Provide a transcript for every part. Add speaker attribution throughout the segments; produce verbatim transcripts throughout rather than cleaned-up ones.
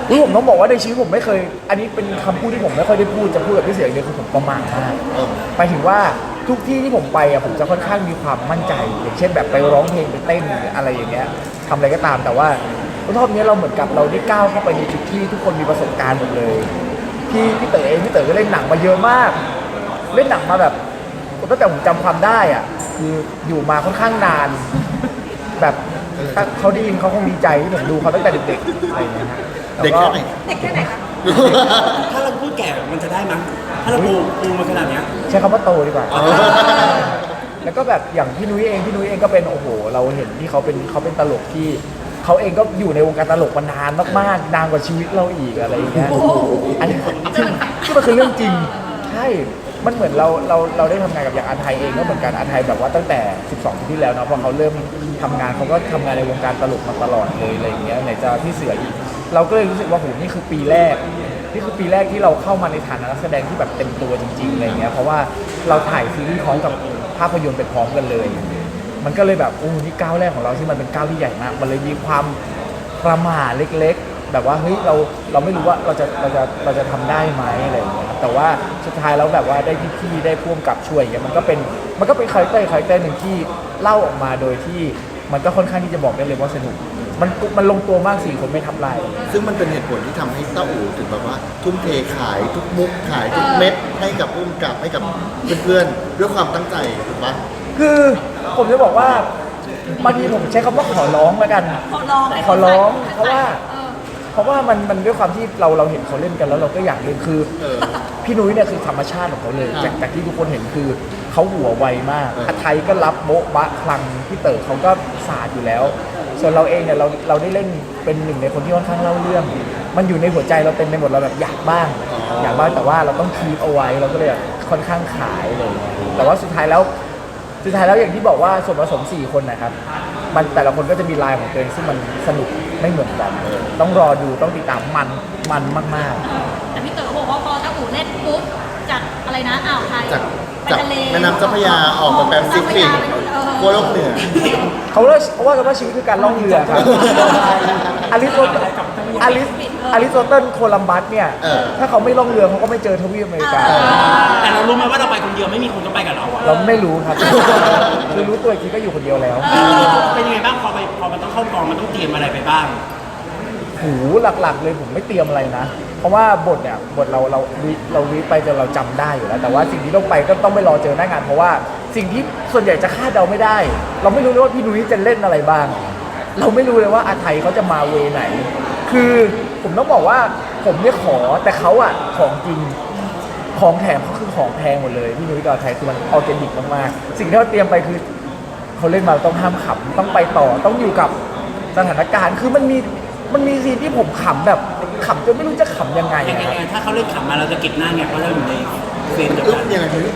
Speaker 1: อุ๊ยผมต้องบอกว่าในชีวิตผมไม่เคยอันนี้เป็นคำพูดที่ผมไม่ค่อยได้พูดจะพูดกับพี่เสืออย่างเดียวคือผมประมาทมากไปถึงว่าทุกที่ที่ผมไปอ่ะผมจะค่อนข้างมีความมั่นใจอย่างเช่นแบบไปร้องเพลงไปเต้นอะไรอย่างเงี้ยทำอะไรก็ตามแต่ว่ารอบนี้เราเหมือนกับเราได้ก้าวเข้าไปในจุดที่ทุกคนมีประสบการณ์หมดเลยพี่พี่เต๋อเองพี่เต๋อก็เล่นหนังมาเยอะมากเล่นหนังมาแบบตั้งแต่ผมจำความได้อ่ะคืออยู่มาค่อนข้างนานแบบถ้าเขาได้ยินเขาคงดีใจที่ผมดูเขาตั้งแต่เด็กๆอะไรอย่างเงี้ยฮะ
Speaker 2: เด็กแค่ไหน
Speaker 3: เด็กแค่ไหนคะ
Speaker 4: ถ้าเราพูดแก่มันจะได้มั้ยถ้าเราปูปูมาขนาดเนี้ย
Speaker 1: ใช้คำว่าโตดีกว่า แล้วก็แบบอย่างพี่นุ้ยเองพี่นุ้ยเองก็เป็นโอ้โหเราเห็นที่เขาเป็นเขาเป็นตลกที่เขาเองก็อยู่ในวงการตลกมานานมากๆนานกว่าชีวิตเราอีกอะไรอย่างเงี้ยอันนี้ที่ที่มันคือเรื่องจริงใช่มันเหมือนเราเราเราได้ทำงานกับอย่างอาไทยเองก็เหมือนกันอาไทยแบบว่าตั้งแต่สิบสองปีที่แล้วเนาะพอเขาเริ่มทำงานเขาก็ทำงานในวงการตลกมาตลอดเลยอะไรอย่างเงี้ยไหนจะพี่เสืออีกเราก็เลยรู้สึกว่าโหนี่คือปีแรกนี่คือปีแรกที่เราเข้ามาในฐานะนักแสดงที่แบบเต็มตัวจริงๆอะไรเงี้ยเพราะว่าเราถ่ายซีรีส์พร้อมกับภาพยนตร์ไปพร้อมกันเลยมันก็เลยแบบโอ้นี่ก้าวแรกของเราที่มันเป็นก้าวที่ใหญ่มากมันเลยมีความประหม่าเล็กๆแบบว่าเฮ้ยเราเราไม่รู้ว่าเราจะเราจะเราจะทำได้ไหมอะไรอย่างเงี้ยแต่ว่าสุดท้ายแล้วแบบว่าได้พี่ๆได้พ่วงกับช่วยอย่างเงี้ยมันก็เป็นมันก็เป็นคาแรคเตอร์คาแรคเตอร์หนึ่งที่เล่าออกมาโดยที่มันก็ค่อนข้างที่จะบอกได้เลยว่าสนุกมันมันลงตัวมากสี่คนไม่ทับลาย
Speaker 2: ซึ่งมันเป็นเหตุผลที่ทำให้ต้าอู่ถึงแบบว่าทุ่มเทขายทุกมุกขายทุกเม็ดให้กับผู้กำกับให้กับเพื่อนๆด้วยความตั้งใจถูกปะ
Speaker 1: คือผมจะบอกว่าบางทีผมใช้คำว่าขอร้องแล้วกัน
Speaker 3: ขอร้อง
Speaker 1: ขอร้องเพราะว่าเพราะว่ามันมันด้วยความที่เราเราเห็นเขาเล่นกันแล้วเราก็อยากเล่นคือพี่นุ้ยเนี่ยคือธรรมชาติของเขาเลยจากจากที่ทุกคนเห็นคือเขาหัวไวมากอาไทยก็รับโบ๊ะบะคลังพี่เต๋อเขาก็ศาสตร์อยู่แล้วส่วนเราเองเนี่ยเราเราได้เล่นเป็นหนึ่งในคนที่ค่อนข้างเล่าเรื่องมันอยู่ในหัวใจเราเต็มไปหมดเราแบบอยากบ้างอยากบ้างแต่ว่าเราต้องคีปเอาไว้เราก็เลยค่อนข้างขายเลยแต่ว่าสุดท้ายแล้วสุดท้ายแล้วอย่างที่บอกว่าส่วนผสมสี่คนนะครับมันแต่ละคนก็จะมีลายของตัวเองซึ่งมันสนุกไม่เหมือนกันต้องรอดูต้องติดตามมันมันมาก
Speaker 3: ๆแต่พี่เต๋อบอกว่าพอตะอู่เล่นปุ๊บจากอะไรนะอ่าวไทย
Speaker 2: จาก
Speaker 3: ไป
Speaker 2: จาก
Speaker 3: ทะเล
Speaker 2: แม่น้ำเจ้าพระยาออกมาแปซิฟิกขั้วโลกเหนือ
Speaker 1: เขาเรียกเขาว่ากันว่าชีวิตคือการล่องเรือครับอลิสโตอลิสอลิสโตเติลโคลัมบัสเนี่ยถ้าเขาไม่ล่องเรือเขาก็ไม่เจอทวีปอเมริกา
Speaker 4: แต่เรารู้ไหมว่าเราไปคนเดียวไม่มีคนก็ไปกับเราอะ
Speaker 1: เราไม่รู้ครับคือรู้ตัวอีกทีก็อยู่คนเดียวแล้ว
Speaker 4: เป็นยังไงบ้างพอไปพอมันต้องเข้ากองมันต้องเตรียมอะไรไปบ้าง
Speaker 1: หูหลักๆเลยผมไม่เตรียมอะไรนะเพราะว่าบทเนี่ยบทเราเราเราวิไปจนเราจำได้อยู่แล้วแต่ว่าสิ่งที่ต้องไปก็ต้องไปรอเจอหน้างานเพราะว่าสิ่งที่ส่วนใหญ่จะคาดเดาไม่ได้เราไม่รู้เลยว่าพี่นุ้ยจะเล่นอะไรบ้างเราไม่รู้เลยว่าอาไทยเขาจะมาเวไหนคือผมต้องบอกว่าผมเนี่ยขอแต่เขาอะของจริงของแถมเขาคือของแพงหมดเลยพี่นุ้ยกับอาไทยคือมันออร์แกนิกมากๆสิ่งที่เขาเตรียมไปคือเขาเล่นมาต้องห้ามขำต้องไปต่อต้องอยู่กับสถานการณ์คือมันมีมันมีซีนที่ผมขำแบบขำจนไม่รู้จะขำยังไง
Speaker 4: ยังไงถ้าเขาเล่นขำมาเราจะเก็บหน้าไงเพราะเราอยู่ในเฟรมเดียวกัน
Speaker 2: ยังไงพี่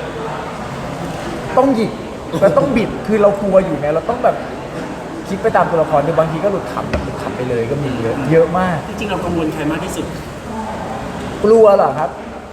Speaker 1: ต้องหยิกแล้วต้องบิดคือเรากลัวอยู่ไงเราต้องแบบคิดไปตามตัวละครโดยบางทีก็หลุดขำแบบหลุดขำไปเลยก็มีเยอะเยอะมาก
Speaker 4: จริงๆเรากังวลใครมากที่สุด
Speaker 1: กลัวเหรอครับ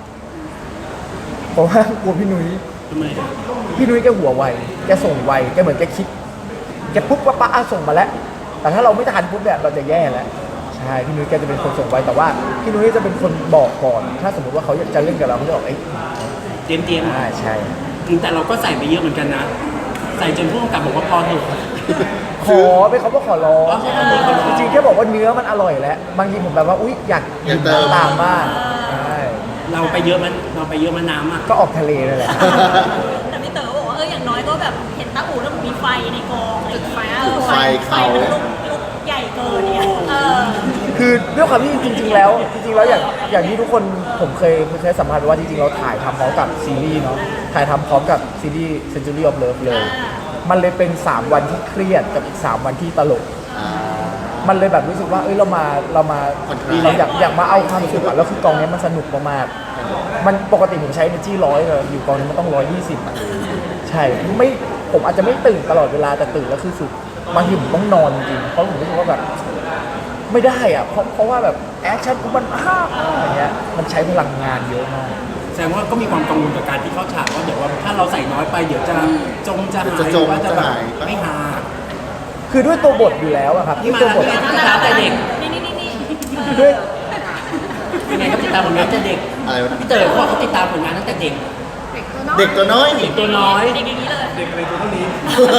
Speaker 1: ผมว่ากลัวพี่นุ้ย
Speaker 4: ทำไม
Speaker 1: พี่นุ้ยแกหัวไวแกส่งไวแกเหมือนแกคิดแกปุ๊บปั๊บปั๊บส่งมาแล้วแต่ถ้าเราไม่ทันปุ๊บเนี่ยเราจะแย่แล้วใช่พี่นุ้ยแกจะเป็นคนส่งไวแต่ว่าพี่นุ้ยจะเป็นคนบอกก่อนถ้าสมมติว่าเขาอยากจะเล่นกับเราเขาจะบอกเอ้ย
Speaker 4: เตรียมเตรียม
Speaker 1: อ่าใช่
Speaker 4: แต่เราก็ใส่ไปเยอะเหมือนกันนะใส่จนผู้กำกับบอกว่าพอเถอะ
Speaker 1: ขอไปเขาก็ขอร้องจริงๆแค่บอกว่าเนื้อมันอร่อยแล้วบางทีผมแบบว่าอุ๊ยอยากกินตามมาก
Speaker 4: เราไปเยอะมันเราไปเยอะมันน้ำอ่ะ
Speaker 1: ก็ออกทะเลนั่นแหละ
Speaker 3: แต่พี่เต๋อบอกว่าเอออย่างน้อยก็แบบเห็นตาอู่แล้วมีไฟในกองจุดไฟ
Speaker 2: ไฟเขา
Speaker 3: มันลุกลุกใหญ่เกินเนี่ย
Speaker 1: คือด้วยความที่จริงๆแล้วจริงๆแล้วอย่างอย่างที่ทุกคนผมเคยเคยสัมภาษณ์ว่าจริงๆเราถ่ายทำพร้อมกับซีรีส์เนาะถ่ายทำพร้อมกับซีรีส์ Century of Love เลยมันเลยเป็นสามวันที่เครียดกับอีกสามวันที่ตลกมันเลยแบบรู้สึกว่าเอ้ยเรามาเรามาเราอยากอยากมาเอาความสุขอะแล้วคือกองนี้มันสนุกมากๆมันปกติผมใช้ energy ร้อยเลยอยู่กองนี้มันต้องร้อยยี่สิบอะใช่ไม่ผมอาจจะไม่ตื่นตลอดเวลาแต่ตื่นแล้วคือสุดบางทีผมต้องนอนจริงเพราะผมรู้สึกว่าแบบไม่ได้อะเพราะเพราะว่าแบบแอคชั่นมันภาพอะไรเงี้ยมันใช้พลังงานเยอะมาก
Speaker 4: แสดงว่าก็มีความกังวลกับการที่เข้าฉากว่าเดี๋ยวว่าถ้าเราใส่น้อยไปเดี๋ยวจะจงจะหายหรือว่าจะแบบไม่หา
Speaker 1: คือด้วยตัวบทอยู่แล้วอะครับ
Speaker 4: ที่ตัวบทที่ท้าแต่เด็ก
Speaker 3: นี่นี่นี่
Speaker 1: ด้วย
Speaker 4: ยังไงเขาติดตามผลงานตั้งแต่เด็ก
Speaker 2: อะไรวะ
Speaker 4: พี่เต๋อเขาบอกเขาติดตามผลงานตั้งแต่เด็ก
Speaker 2: เด็กตัวน้อย
Speaker 4: เด็กตัวน้อย
Speaker 3: เด็กอย่างนี้เลย
Speaker 4: เด็กอะไรตัวเท่านี้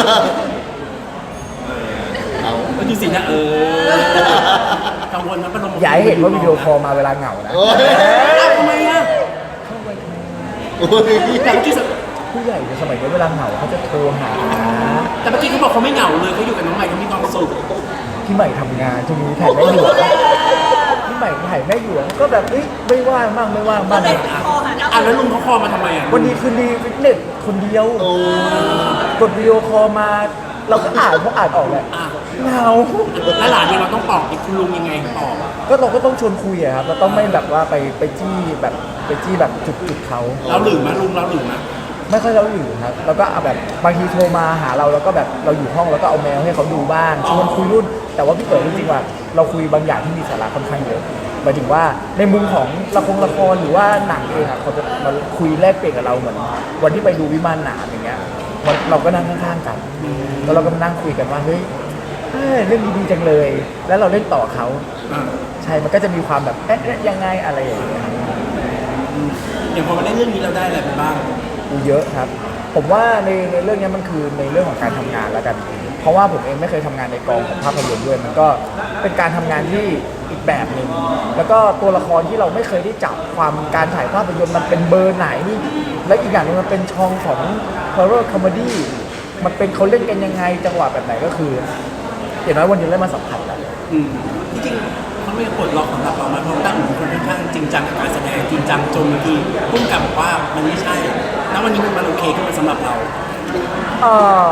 Speaker 2: เอา
Speaker 4: ก็ดูสินะเออกังวลนะประลม
Speaker 1: อย่าให้เห็นว่าวิดีโอคอลมาเวลาเหงานะ
Speaker 2: โอ้ย
Speaker 4: อ้าวทำไมอ่ะ
Speaker 2: โอ้ย
Speaker 4: แต่เมื่อกี้ส
Speaker 1: ผู้ใหญ่ในสมัยนี้เวลาเหงาเขาจะโทรหา
Speaker 4: แต่เมื่อกี้เขาบอกเขาไม่เหงาเลยเขาอยู่กับน้องใหม่เขามีความสุข
Speaker 1: พี่ใหม่ทำงานช่วงนี้ถ่ายแม่หลวงพี่ใหม่ถ่ายแม่หลวงก็แบบเฮ้ยไม่ว่างบ้างไม่ว่าง
Speaker 3: ก็
Speaker 1: บ้าง
Speaker 3: เลยคอหาเจ้า
Speaker 4: อ่ะแล้วลุงเขาคอมาทำไมอ่ะ
Speaker 1: วันนี้คืนดีฟิตเนสคนเดียว
Speaker 2: โอ้
Speaker 1: กดวิดีโอคอลมา เราก็อ่านเขาอ่านออกแหละ
Speaker 4: อ่ะ
Speaker 1: เหงา
Speaker 4: แล้วหลานเนี่ยเราต้องปลอบอีกคุณลุงยังไงปลอบ
Speaker 1: ก็เราก็ต้องชวนคุยอะครับเราต้องไม่แบบว่าไปไปจี้แบบไปจี้แบบจุดจุดๆเขา
Speaker 4: เราหรือมั้ยลุงเราหรือมั้ย
Speaker 1: ไม่ค่อยเราอยู่ครับแล้วก็เอาแบบบางทีโทรมาหาเราแล้วก็แบบเราอยู่ห้องแล้วก็เอาแมวให้เขาดูบ้างชวนคุยรุ่น แต่ว่าพี่เต๋อจริงๆว่าเราคุยบางอย่างที่มีสาระค่อนข้างเยอะหมายถึงว่าในมุมของละครละครหรือว่าหนังเองอะเขาจะมาคุยแลกเปลี่ยนกับเราเหมือนวันที่ไปดูวิมานหนามอย่างเงี้ยมันเราก็นั่งข้างๆกัน แล้วเราก็มานั่งคุยกันว่าเฮ้ยเอ้ยเรื่องนี้ดีจังเลย แล้วเราเล่นต่อเขา
Speaker 4: อ่ะ
Speaker 1: ใช่มันก็จะมีความแบบเอ๊ะเอ๊ะยังไงอะไรอย่างเงี้ย
Speaker 4: อย่างพอมาเล่นเรื่องนี้เราได้อะไรไปบ้าง
Speaker 1: ดูเยอะครับ ผมว่าในในเรื่องนี้มันคือในเรื่องของการทำงานแล้วกัน เพราะว่าผมเองไม่เคยทำงานในกองของภาพยนตร์ด้วย มันก็เป็นการทำงานที่อีกแบบหนึ่งแล้วก็ตัวละครที่เราไม่เคยได้จับความการถ่ายภาพยนตร์มันเป็นเบอร์ไหน และอีกอย่างหนึงมันเป็นช่องของ horror comedy มันเป็นเขาเล่นกันยังไงจังหวะแบบไหนก็คือเห็นไหมวันนี้ได้มาสัมผัสกัน
Speaker 4: อืมจริงๆเขาไม่ปลดล็อกสำหรับเรามาเพราะตั้งหนูคนค่อนข้างจริงจังกับการแสดงจริงจังจนบางทีพุ่งกลับบอกว่ามันไม่ใช่ แล้ววันนี้มันมันโอเคขึ้นมาสำหรับเรา
Speaker 1: เอ่อ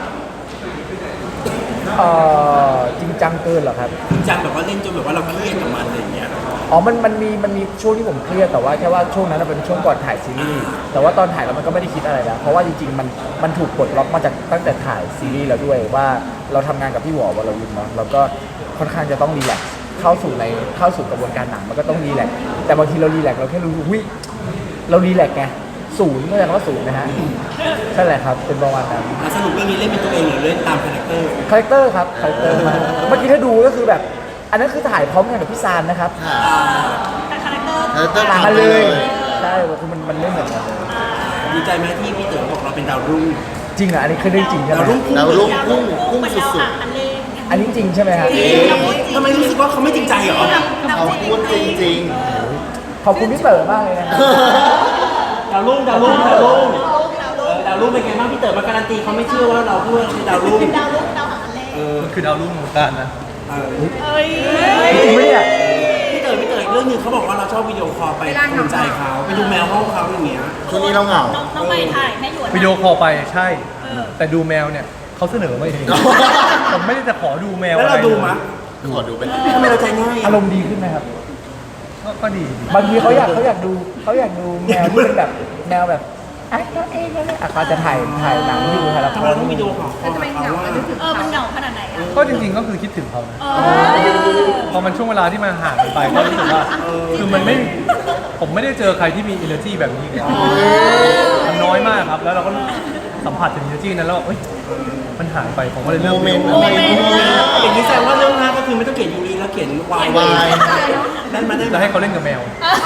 Speaker 1: เอ่อจริงจังเกินเหรอครับ
Speaker 4: จริงจังแบบว่าเล่นจนแบบว่าเราเครียดกับมันอะไรอย่างเงี้ย
Speaker 1: อ๋อ มัน มันมี มันมีช่วงที่ผมเครียด แต่ว่าแค่ว่าช่วงนั้นนะเป็นช่วงก่อนถ่ายซีรีส์ แต่ว่าตอนถ่ายแล้วมันก็ไม่ได้คิดอะไรแล้ว เพราะว่าจริงๆ มัน มันถูกปลดล็อกมาจากตั้งแต่ถ่ายซีรีส์แล้วด้วยว่าเราทำงานกับพี่หวอวรวินเนาะเราก็ค่อนข้างจะต้องรีแลกซ์เข้าสู่ใน เข้าสู่กระบวนการหนังมันก็ต้องรีแลกซ์แต่บางทีเรารีแลกซ์เราแค่รู้สึกวิเรารีแลกซ์ไง ศูนย์ก็แปลว่าศูนย์นะฮะนั่นแหละครับ เป็นประมาณนั้น
Speaker 4: อ่ะสรุปเรื่องนี้เล่นเป็นตัวเองหรือเล่นตามคาแรคเตอร์
Speaker 1: คาแรคเตอร์ครับ คาแรคเตอร์มาเมื่อกี้ถ้าดูก็คือแบบ อันนั้นคือถ่ายพร้อมกันกับพี่ซานนะครับ
Speaker 2: ค่ะ
Speaker 3: แต่คาแรคเตอร์
Speaker 2: แล้วต้อง
Speaker 1: ต่าง
Speaker 2: ทำ
Speaker 1: กัน
Speaker 2: ไป
Speaker 1: เล
Speaker 2: เลย ย
Speaker 1: ใช่คือมันมันไม่เหมือนกันเลย
Speaker 4: ดีใจไหมที่พี่เต๋อบอกเราเป็นดาวรุ่ง
Speaker 1: จริงเหรออันนี้คือเรื่องจริงใช่ไหม
Speaker 4: ดาวรุ่งพุ่ง
Speaker 2: ดาวรุ่ง พุ่งพุ่ง
Speaker 3: เหมือน
Speaker 2: สุ
Speaker 3: เรา
Speaker 2: ด
Speaker 3: อ่ะอันเล่น
Speaker 1: อันนี้จริงใช่ไหมครับ
Speaker 4: ทำไมรู้สึกว่าเขาไม่จริงใจเหรอ
Speaker 2: เขาพูดจริง
Speaker 1: ขอบคุณพี่เต๋อมากเลยนะครับ
Speaker 4: ดาวรุ่งดาวรุ่งดาวรุ่งเออดาวรุ่งเป็นไงบ้างพี่เต๋อมาการันตีเขาไม่เชื่อว่าเราพูดว่าเป็นดาวรุ่ง
Speaker 3: เป็นดาวรุ่งดาวหางอันเล่น
Speaker 4: เออ
Speaker 5: คือดาวรุ่งของการนะ
Speaker 4: เออ
Speaker 3: เอ้ย
Speaker 1: จริงไหมเนี่ย
Speaker 4: พี่เต๋อพี่เต๋ออีกเรื่องหนึงเขาบอกว่าเราชอบวิดีโอคอลไปภูมิใจเขาไปดูแมวห้องเขาอย่างเงี้ย
Speaker 2: ๆช่วงนี้เราเหงา
Speaker 3: น้องน้องใหม่ถ่ายแม่หยวน
Speaker 5: วิดีโอคอลไปใช่
Speaker 3: เออ
Speaker 5: แต่ดูแมวเนี่ยเขาเสนอมาเอง ผมไม่ได้จะขอดูแมว
Speaker 4: แล้ว
Speaker 5: อะไร
Speaker 4: เราดูมั้ย
Speaker 2: ขอดูเป็น
Speaker 4: ทำไมเราใจง่าย
Speaker 1: อา
Speaker 4: อะ
Speaker 1: รมณ์ดีขึ้นไหมครับ
Speaker 5: ก็ก็ดี
Speaker 1: บางทีเขาอยากเขาอยากดูเขาอยากดูแมวที่เป็นแบบแมวแบบไอ้น้องเองน้องเองอ่ะเขาจะถ่ายถ่ายหนังอยู่ถ่ายละค
Speaker 4: ทำไม
Speaker 1: ร
Speaker 4: เราต้องวิดีโอคอลเขาเขาว่า
Speaker 3: เออมันเหงาขนาดไหนอ่ะ
Speaker 5: ก็จริงๆก็คือคิดถึงเขานะ
Speaker 3: เออ
Speaker 5: พอมันช่วงเวลาที่มันห่างกันไปก็รู้สึกว่าคือมันไม่ผมไม่ได้เจอใครที่มี energy แบบนี้เลยมันน้อยมากครับ แล้วเราก็สัมผัสถึง energy นั้นแล้วว่าเอ้ยมันหายไปผมก็เลยเริ่
Speaker 2: โม
Speaker 5: ม
Speaker 2: เมนต์
Speaker 3: โมเมนต์
Speaker 4: อย่างนี้แสดงว่าเรื่องหน้าก็คือไม่ต้องเขียนยูรีแล้วเขียนวายว
Speaker 2: าย
Speaker 4: ได้มาได้
Speaker 5: จะให้เขาเล่นกับแมว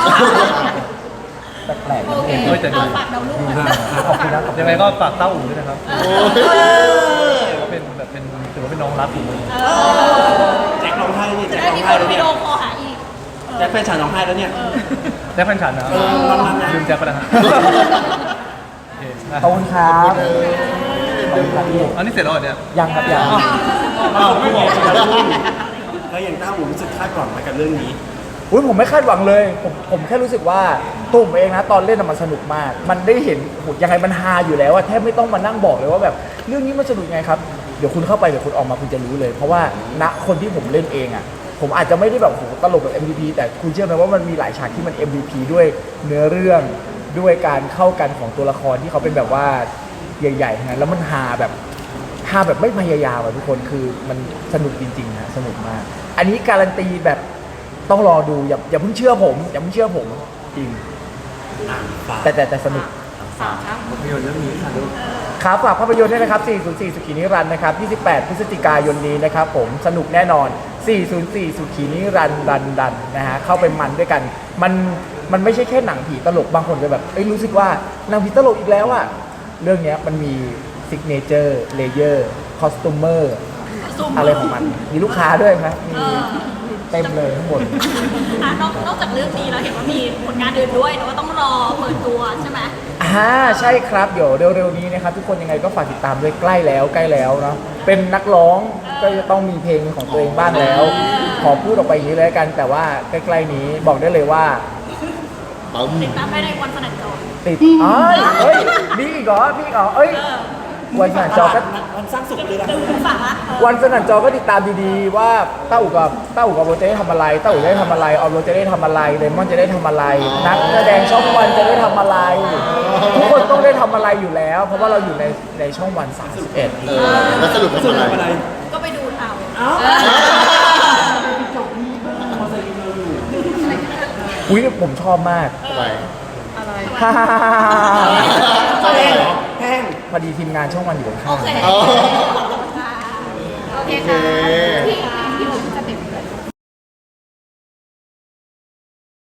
Speaker 1: แปลกๆ
Speaker 3: โอเค
Speaker 5: เออแต่ดู
Speaker 3: เอาฝากดาวรุ่งหน่อย
Speaker 1: ขอบคุณนะขอบคุณ
Speaker 5: ยังไงก็ฝากเต้าอู่ด้วยนะครับ
Speaker 2: โอ้ย
Speaker 5: ก็เป็นแบบเป็นถือว่าเป็นน้องรักอยู่เลย
Speaker 3: เออ
Speaker 4: แจ็คร้องไห้เนี่ย
Speaker 3: จะ
Speaker 4: แจ็ค
Speaker 3: ได้
Speaker 4: ร้อง
Speaker 3: มี
Speaker 4: ไห้
Speaker 3: คน
Speaker 4: แล้ว
Speaker 3: วิ
Speaker 4: เนี่ย
Speaker 3: ดีโอคอลหาอีก
Speaker 4: แจ็คแฟนฉันร้องไห้แล้วเนี่ย
Speaker 5: แจ็คแฟนฉันนะ
Speaker 4: เออประมาณนั้น
Speaker 5: ลืมแจ็คไปแล้วฮะโอเคนะ
Speaker 1: ขอบคุณครับขอบคุณครับพี่
Speaker 5: อันนี้เสร็จแล้วเหรอเนี่ย
Speaker 1: ยังครับยัง
Speaker 4: อ้าวไม่บอกแล้วอย่างต้าหูรู้สึกคาดหวังไหมกับเรื่องนี้
Speaker 1: อุ้ยผมไม่คาดหวังเลย ผมผมแค่รู้สึกว่าตัวผมเองนะตอนเล่นน่ะมันสนุกมาก มันได้เห็นโหยังไงมันฮาอยู่แล้วอะแทบไม่ต้องมานั่งบอกเลยว่าแบบเรื่องนี้มันสนุกยังไงครับ เดี๋ยวคุณเข้าไปเดี๋ยวคุณออกมาคุณจะรู้เลย เพราะว่าณคนที่ผมเล่นเองอะผมอาจจะไม่ได้แบบโหตลกแบบ เอ็ม วี พี แต่คุณเชื่อไหมว่ามันมีหลายฉากที่มัน เอ็ม วี พี ด้วยเนื้อเรื่องด้วยการเข้ากันของตัวละครที่เขาเป็นแบบว่าใหญ่ๆทั้งนั้นแล้วมันฮาแบบฮาแบบไม่พยายามอะทุกคนคือมันสนุกจริงๆนะสนุกมาก อันนี้การันตีแบบต้องรอดูอย่าอย่าเพิ่งเชื่อผมอย่าเพิ่งเชื่อผมจริง
Speaker 4: อ่านฝาก
Speaker 1: แต่แต่แต่สนุก
Speaker 4: ภาพยนตร์เรื่องนี้ค่ะลูก
Speaker 1: ครับฝากภาพยนตร์ด้วยนะครับ สี่ศูนย์สี่ สุขีนิรันดร์นะครับ ยี่สิบแปด พฤศจิกายนนี้นะครับผม สนุกแน่นอนสี่ศูนย์สี่สุขีนิรันดร์รันดันนะฮะเข้าไปมันด้วยกันมันมันไม่ใช่แค่หนังผีตลกบางคนจะแบบเอ้ยรู้สึกว่าหนังผีตลกอีกแล้วอะเรื่องเนี้ยมันมีซิกเนเจอร์เลเยอร์คอสตูมเมอร์อะไรของมันมีลูกค้าด้วยครับมี
Speaker 3: เออ
Speaker 1: เต็มเลยทั้งหมด
Speaker 3: อ่ะนอกนอกจากเรื่องนี้แล้วเห็นว่ามีผลงานอื่นด้วยแต่ว่าต้องรอเปิดตัวใช่ไหม
Speaker 1: อ่าใช่ครับเดี๋ยวเร็วๆนี้นะครับทุกคนยังไงก็ฝากติดตามด้วยใกล้แล้วใกล้แล้วเนาะเป็นนักร้องก็จะต้องมีเพลงของตัวเองบ้างแล้ว ขอพูดออกไปอย่างนี้เลยละกัน แต่ว่าใกล้ๆนี้บอกได้เลยว่า
Speaker 2: ปั๊ม
Speaker 3: ติดตามได้ในวันสนันจร
Speaker 1: ติดอ้ายเฮ้ยมีอีกเหรอมีอีกเหรอเอ้ยวันสนั่นจอก็
Speaker 4: วันสร้างสุขเลยนะ
Speaker 3: ฝากละเออ
Speaker 1: วันสนั่นจอก็ติดตามดีๆว่าต้าอู่กับต้าอู่กับโรเจได้ทำอะไรต้าอู่จะได้ทำอะไรออมโรเจได้ทำอะไรเลมอนจะได้ทำอะไร นักแสดงช่องวันจะได้ทำอะไร ทุกคนต้องได้ทำอะไรอยู่แล้ว เพราะว่าเราอยู่ในในช่องวันสามสิบเอ็ด
Speaker 2: เออแล้วสรุป
Speaker 4: สุด
Speaker 2: ทำอะไร
Speaker 4: อะไร
Speaker 3: ก็ไปดูเอา
Speaker 4: เอ้า
Speaker 3: เออ
Speaker 1: อุ้ยผมชอบมาก
Speaker 2: ไป
Speaker 1: ฮ่า
Speaker 2: ชอบอะไรเหรอ
Speaker 4: แห้ง
Speaker 1: พอดีทีมงานช่องวันอยู่ข้าง
Speaker 3: โอเค
Speaker 2: อ๋อ
Speaker 3: โอเค
Speaker 2: โอเค
Speaker 3: ค่ะพี่พี่ผมจะเต็มเลย